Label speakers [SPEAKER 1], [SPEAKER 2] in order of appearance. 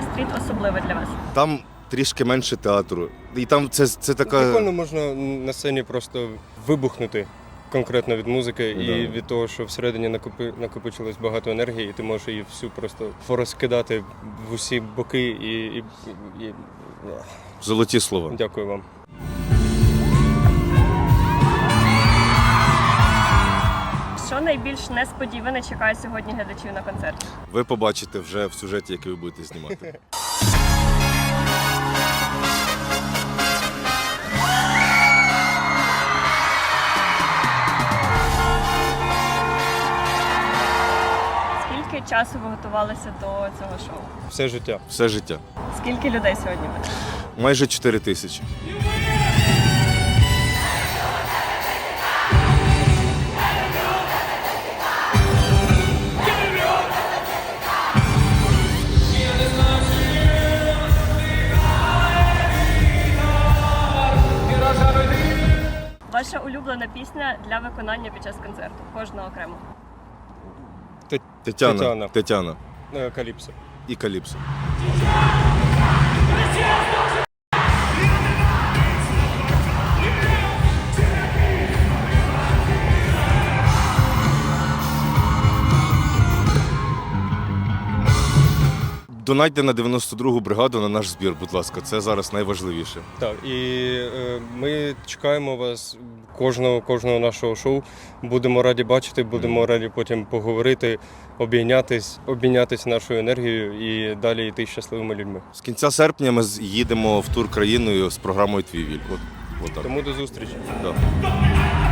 [SPEAKER 1] стріт особливе для вас?
[SPEAKER 2] Там трішки менше театру. І там це така.
[SPEAKER 3] Прикольно можна на сцені просто вибухнути конкретно від музики і від того, що всередині накопичилось багато енергії, і ти можеш її всю просто порозкидати в усі боки і...
[SPEAKER 2] Золоті слова.
[SPEAKER 3] Дякую вам.
[SPEAKER 1] Що найбільш несподіване чекає сьогодні глядачів на концерті?
[SPEAKER 2] Ви побачите вже в сюжеті, який ви будете знімати.
[SPEAKER 1] Скільки часу ви готувалися до цього шоу?
[SPEAKER 3] Все життя.
[SPEAKER 2] Все життя.
[SPEAKER 1] Скільки людей сьогодні буде?
[SPEAKER 2] Майже 4 тисячі.
[SPEAKER 1] Ваша улюблена пісня для виконання під час концерту? Кожного окремо.
[SPEAKER 2] Тетяна.
[SPEAKER 3] Каліпсо.
[SPEAKER 2] І Каліпсо. Донатьте на 92-гу бригаду на наш збір, будь ласка. Це зараз найважливіше.
[SPEAKER 3] Так, і ми чекаємо вас кожного нашого шоу. Будемо раді бачити, будемо раді потім поговорити, обмінятись нашою енергією і далі йти щасливими людьми.
[SPEAKER 2] З кінця серпня ми їдемо в тур країною з програмою «Твій віль». От так.
[SPEAKER 3] Тому до зустрічі.
[SPEAKER 2] Да.